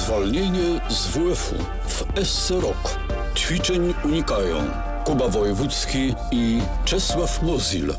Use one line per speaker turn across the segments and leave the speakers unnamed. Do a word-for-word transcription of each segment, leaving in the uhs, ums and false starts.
Zwolnienie z W F u w S C Rok. Ćwiczeń unikają Kuba Wojewódzki i Czesław Mozil.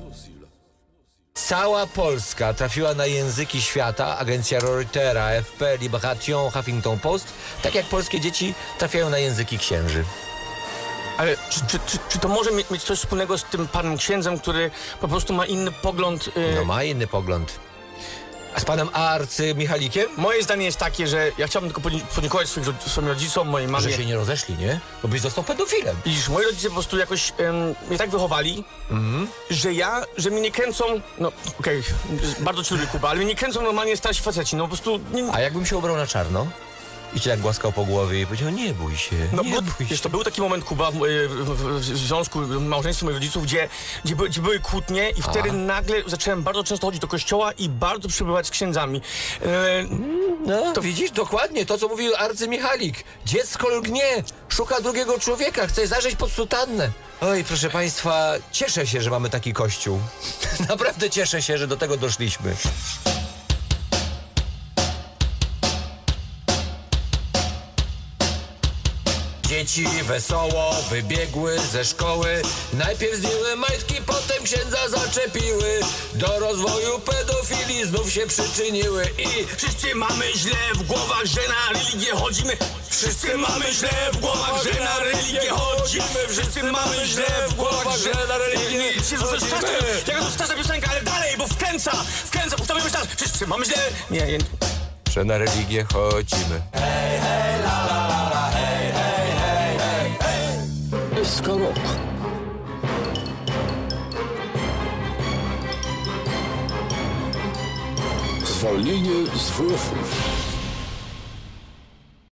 Cała Polska trafiła na języki świata. Agencja Reutera, F P, Libération, Huffington Post. Tak jak polskie dzieci trafiają na języki księży.
Ale czy, czy, czy, czy to może mieć, mieć coś wspólnego z tym panem księdzem, który po prostu ma inny pogląd? Yy...
No ma inny pogląd. A z panem arcymichalikiem?
Moje zdanie jest takie, że ja chciałbym tylko podziękować swoim, swoim rodzicom, mojej mamie.
Że się nie rozeszli, nie? Bo byś został pedofilem.
Widzisz, moi rodzice po prostu jakoś um, mnie tak wychowali, mm. że ja, że mnie nie kręcą, no okej, okay, bardzo ci lubię, Kuba, ale mnie nie kręcą normalnie starsi faceci, no po prostu... Nie...
A jakbym się ubrał na czarno? I cię tak głaskał po głowie i powiedział, nie bój się,
no,
nie
bo,
bój
wiesz,
się.
to był taki moment, Kuba, w, w, w, w związku, w małżeństwie moich rodziców, gdzie, gdzie, by, gdzie były kłótnie i wtedy A. nagle zacząłem bardzo często chodzić do kościoła i bardzo przebywać z księdzami. E,
no, to widzisz, dokładnie to, co mówił arcymichalik. Dziecko lgnie, szuka drugiego człowieka, chce zajrzeć pod sutannę. Oj, proszę państwa, cieszę się, że mamy taki kościół. Naprawdę cieszę się, że do tego doszliśmy. Dzieci wesoło wybiegły ze szkoły. Najpierw zdjęły majtki, potem księdza zaczepiły. Do rozwoju pedofilii znów się przyczyniły. I
wszyscy mamy źle w głowach, że na religię chodzimy. Wszyscy mamy źle w głowach, że na religię chodzimy. Wszyscy mamy źle w głowach, że na religię chodzimy. Jaka to straszna piosenka, ale dalej, bo wkręca, wkręca, powtarzamy jeszcze raz. Wszyscy mamy źle... Nie, nie.
Że na religię chodzimy.
Hej, hej, la, la, la, la, hej, hej, hej, hej, hej.
S K Rok. Zwolnienie z W F u.